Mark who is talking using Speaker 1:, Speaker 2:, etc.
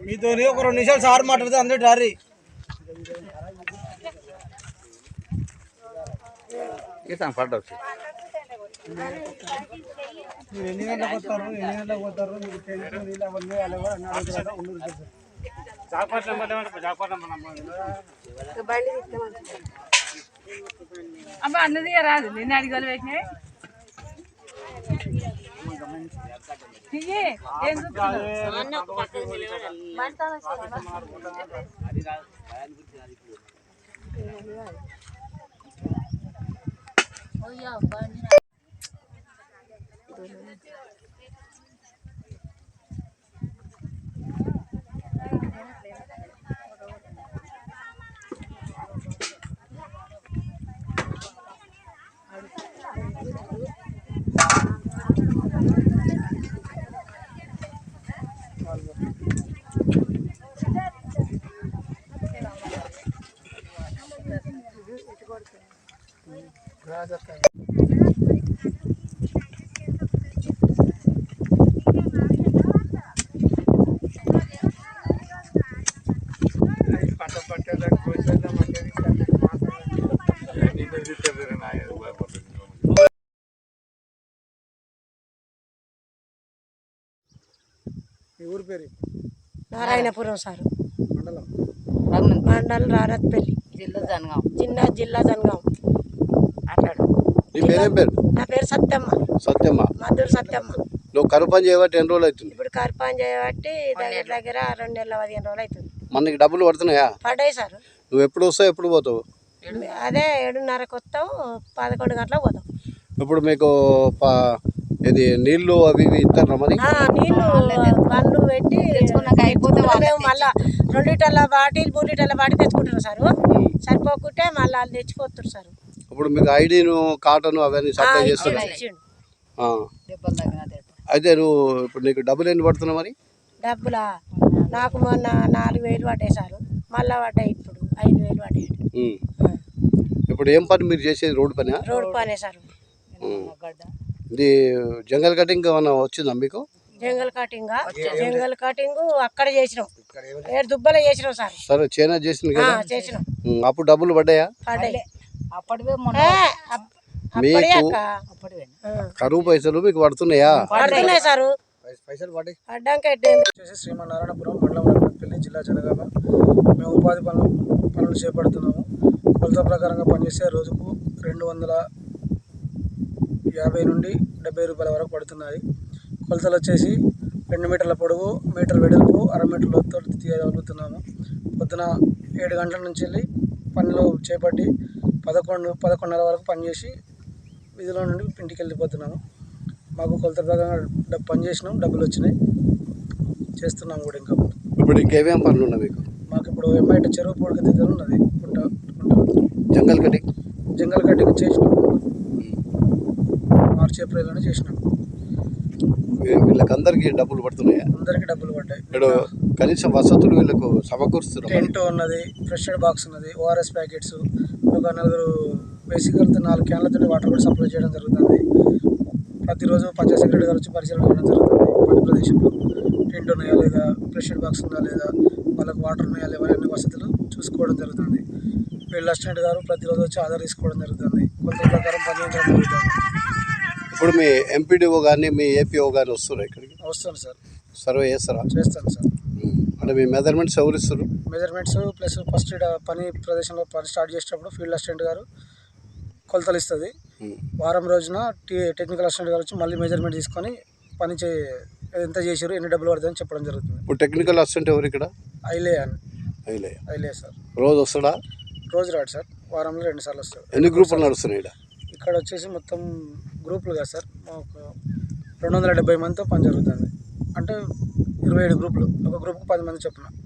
Speaker 1: మీతో ఒక 2 నిమిషాలు సార్ మాట్లాడితే అందరూ డారీ మీరు ఎన్ని గంటలకు వస్తారు మీకు తెలిసిన అవన్నీ
Speaker 2: అమ్మ అన్నది రాదు నేను అడిగలు పెట్టినాయి
Speaker 1: ఊరు పేరు
Speaker 3: నారాయణపురం సార్
Speaker 1: మండలం
Speaker 3: మండలం రారత్పల్లి జిల్లా జనగాం. నా పేరు సత్యమ్మ మధుర సత్యమ్మ.
Speaker 4: నువ్వు కరువు పని చేయబట్టి ఎన్ని రోజులు అవుతుంది?
Speaker 3: ఇప్పుడు కరువు పని చేయబట్టి దగ్గర 2 నెలల 15 రోజులు అవుతుంది.
Speaker 4: మనకి డబ్బులు పడుతున్నాయా?
Speaker 3: పడ్డాయి సార్.
Speaker 4: నువ్వు ఎప్పుడు వస్తావు ఎప్పుడు పోతావు?
Speaker 3: అదే 7:30కు వస్తాం, 11 గంటలకు పోతాం.
Speaker 4: ఇప్పుడు మీకు ఇది నీళ్లు అవి ఇవి ఇస్తారా? మరి
Speaker 3: నీళ్లు బండ్లు పెట్టి మేము మళ్ళీ 2 లీటర్ల బాటిల్ 3 లీటర్ల బాటిల్ తెచ్చుకుంటున్నాం సార్. సరిపోకుంటే మళ్ళీ వాళ్ళు తెచ్చిపోతున్నారు సార్.
Speaker 4: ఇప్పుడు మీకు ఐడీను కాటను అవన్నీ సప్లై చేస్తున్నారు. అయితే నువ్వు ఇప్పుడు నీకు డబ్బులు ఎన్ని పడుతున్నావు? మరి
Speaker 3: డబ్బులా నాకు మొన్న 4,000 పడ్డాయి సార్. మళ్ళీ పడ్డాయి ఇప్పుడు 5,000 పడ్డాయి.
Speaker 4: ఇప్పుడు ఏం పని మీరు చేసేది? రోడ్డు పని?
Speaker 3: రోడ్డు పనే సార్.
Speaker 4: ఇది జంగల్ కటింగ్ ఏమన్నా వచ్చిందా మీకు?
Speaker 3: జంగల్ కటింగ్ అక్కడ చేసినాం, 7 దుబ్బలు చేసినాం సార్.
Speaker 4: సరే చైనా చేసింది కదా,
Speaker 3: చేసినాం.
Speaker 4: అప్పుడు డబ్బులు పడ్డాయా? మీకు కరువు పైసలు మీకు పడుతున్నాయా?
Speaker 3: పడుతున్నాయి సార్.
Speaker 1: శ్రీమన్నారాయణపురం మండలం రామపల్లి జిల్లా జనగామ. మేము ఉపాధి పనులు చేపడుతున్నాము. కొలత ప్రకారంగా పనిచేస్తే రోజుకు 250 నుండి 70 రూపాయల వరకు పడుతున్నాయి. కొలతలు వచ్చేసి 2 మీటర్ల పొడవు, మీటర్ వెడల్పు, 1/2 మీటర్ లోతుతో తీయగలుగుతున్నాము. పొద్దున 7 గంటల నుంచి వెళ్ళి పనిలో చేపట్టి 11:30 వరకు పనిచేసి వీధిలో నుండి ఇంటికి వెళ్ళిపోతున్నాము. మాకు కొలత ప్రకారంగా పని చేసినాం, డబ్బులు వచ్చినాయి, చేస్తున్నాము కూడా. ఇంకా
Speaker 4: ఇప్పుడు ఇంకేమేం పనులు ఉన్నాయి మీకు?
Speaker 1: మాకు ఇప్పుడు ఎంఐటి చెరువు పొడికి దగ్గర ఉన్నది.
Speaker 4: జంగల్ కటింగ్ చేసినాం, మార్చి ఏప్రిల్లోనే చేసినాం. వీళ్ళకి అందరికి డబ్బులు పడుతున్నాయా?
Speaker 1: అందరికి డబ్బులు పడ్డాయి.
Speaker 4: ఇప్పుడు కనీసం వసతులు వీళ్ళకు సమకూరుస్తున్నారు.
Speaker 1: టెంట్ ఉన్నది, ఫ్రెష్ ఎయిడ్ బాక్స్ ఉన్నది, ORS ప్యాకెట్స్, ఒక 4 బేసిక్గా 4 క్యాన్లతో వాటర్ కూడా సప్లై చేయడం జరుగుతుంది. ప్రతిరోజు పంచాయత్ సెక్రటరీ గారు వచ్చి పరిశీలన చేయడం జరుగుతుంది. పని ప్రదేశంలో టెంట్ ఉన్నాయా లేదా, ఫ్రెష్ ఎయిడ్ బాక్స్ ఉందా లేదా, వాళ్ళకు వాటర్ ఉన్నాయా లేదా, అన్ని వసతులు చూసుకోవడం జరుగుతుంది. ఫీల్డ్ అసిస్టెంట్ గారు ప్రతిరోజు వచ్చి ఆధార్ తీసుకోవడం జరుగుతుంది. కొలత ప్రకారం పనిచేయడం జరుగుతుంది.
Speaker 4: ఇప్పుడు మీ ఎంపీడీఓ కానీ మీ ఏపీఓ కానీ వస్తున్నారు ఇక్కడికి?
Speaker 1: వస్తాను సార్.
Speaker 4: సర్వే చేస్తారా?
Speaker 1: చేస్తాను సార్.
Speaker 4: అంటే మీ మెజర్మెంట్స్ ఎవరు ఇస్తారు?
Speaker 1: మెజర్మెంట్స్ ప్లస్ ఫస్ట్ పని ప్రదేశంలో పని స్టార్ట్ చేసేటప్పుడు ఫీల్డ్ అసిస్టెంట్ గారు కొలతలు ఇస్తుంది. వారం రోజున టెక్నికల్ అసిస్టెంట్ గారు వచ్చి మళ్ళీ మెజర్మెంట్ తీసుకొని పని ఎంత చేసారు, ఎన్ని డబ్బులు పడుతుందని చెప్పడం జరుగుతుంది.
Speaker 4: ఇప్పుడు టెక్నికల్ అసిస్టెంట్ ఎవరు ఇక్కడ?
Speaker 1: ఐలే సార్.
Speaker 4: రోజు వస్తాడా?
Speaker 1: రోజు రాడు సార్, వారంలో 2 సార్లు వస్తాడు.
Speaker 4: ఎన్ని గ్రూపులు నడుస్తున్నాయి
Speaker 1: ఇక్కడ వచ్చేసి మొత్తం గ్రూపులు కదా సార్, మాకు 270 మందితో పని జరుగుతుంది. అంటే 27 గ్రూపులు, ఒక గ్రూప్కి 10 మంది చొప్పున.